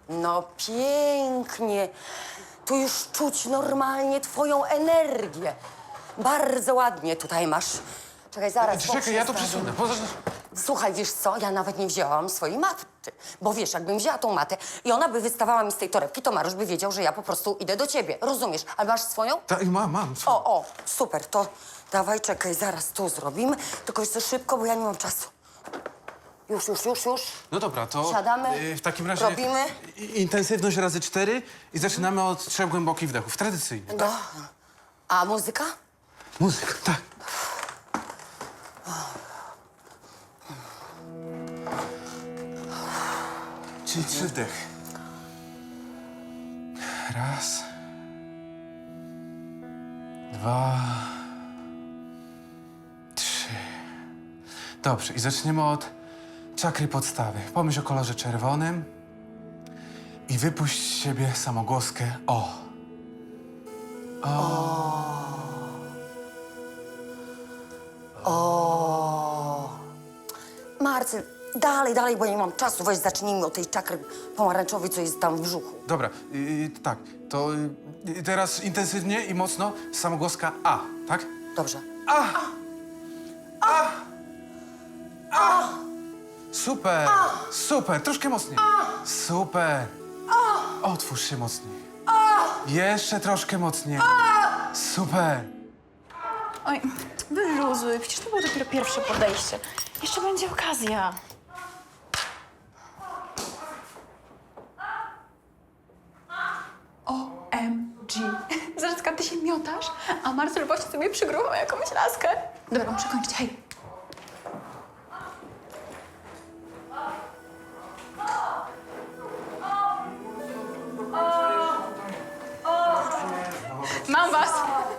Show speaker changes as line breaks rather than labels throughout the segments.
No pięknie. Tu już czuć normalnie twoją energię. Bardzo ładnie tutaj masz. Czekaj, zaraz.
Czekaj, ja to przesunę.
Słuchaj, wiesz co? Ja nawet nie wzięłam swojej maty. Bo wiesz, jakbym wzięła tą matę i ona by wystawała mi z tej torebki, to Mariusz by wiedział, że ja po prostu idę do ciebie. Rozumiesz? Ale masz swoją?
Tak, mam.
O, super. To dawaj, czekaj, zaraz tu zrobimy. Tylko jeszcze szybko, bo ja nie mam czasu. Już.
No dobra, to
Siadamy,
w takim razie
robimy.
intensywność razy 4 i zaczynamy od 3 głębokich wdechów. Tradycyjnie.
No. A muzyka?
Muzyka, tak. Czyli 3 wdechy. Raz. 2. 3. Dobrze, i zaczniemy od czakry podstawy. Pomyśl o kolorze czerwonym i wypuść z siebie samogłoskę O.
Marcel, dalej, bo nie mam czasu. Weź zacznijmy od tej czakry pomarańczowej, co jest tam w brzuchu.
Dobra, tak, to teraz intensywnie i mocno samogłoska A, tak?
Dobrze.
Super, super, troszkę mocniej. Super. Otwórz się mocniej. Jeszcze troszkę mocniej. Super.
Oj, wyluzuj, przecież to było dopiero pierwsze podejście. Jeszcze będzie okazja. OMG. Zarzeczka, ty się miotasz, a Marcel właśnie sobie przygruchał jakąś laskę. Dobra, muszę kończyć, hej. Mam was.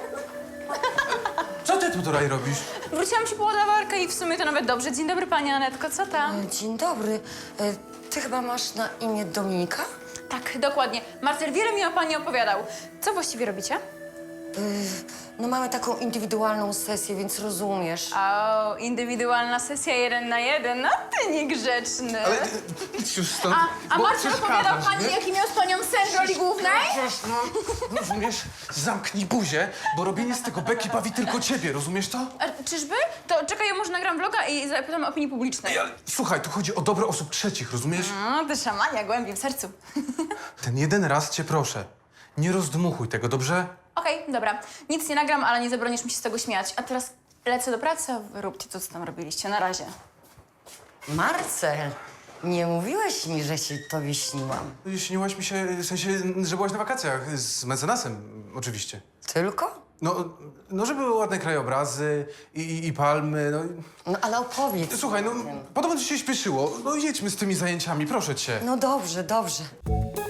Co ty tutaj robisz?
Wróciłam ci po ładowarkę i w sumie to nawet dobrze. Dzień dobry, pani Anetko, co tam?
Dzień dobry. Ty chyba masz na imię Dominika?
Tak, dokładnie. Marcel wiele mi o pani opowiadał. Co właściwie robicie?
No mamy taką indywidualną sesję, więc rozumiesz.
O, indywidualna sesja 1 na 1. No ty niegrzeczny.
Ale już stąd.
A
bo
Marcel opowiadał
przeszkadzasz,
pani,
nie?
jaki miał z panią sen w roli głównej?
No, rozumiesz? Zamknij buzię, bo robienie z tego beki bawi tylko ciebie, rozumiesz to?
A, czyżby? To czekaj, ja może nagram vloga i zapytam opinii publicznej.
Ale słuchaj, tu chodzi o dobro osób trzecich, rozumiesz?
No, ty szamania głębiej w sercu.
Ten jeden raz cię proszę. Nie rozdmuchuj tego, dobrze?
Okej, dobra. Nic nie nagram, ale nie zabronisz mi się z tego śmiać. A teraz lecę do pracy, a wy róbcie to, co tam robiliście. Na razie.
Marcel, nie mówiłeś mi, że się tobie śniłam.
Śniłaś mi się, w sensie, że byłaś na wakacjach z mecenasem, oczywiście.
Tylko?
No, że były ładne krajobrazy i palmy, no.
No ale opowiedz.
Słuchaj, no, podobno ci się śpieszyło. No, jedźmy z tymi zajęciami, proszę cię.
No dobrze.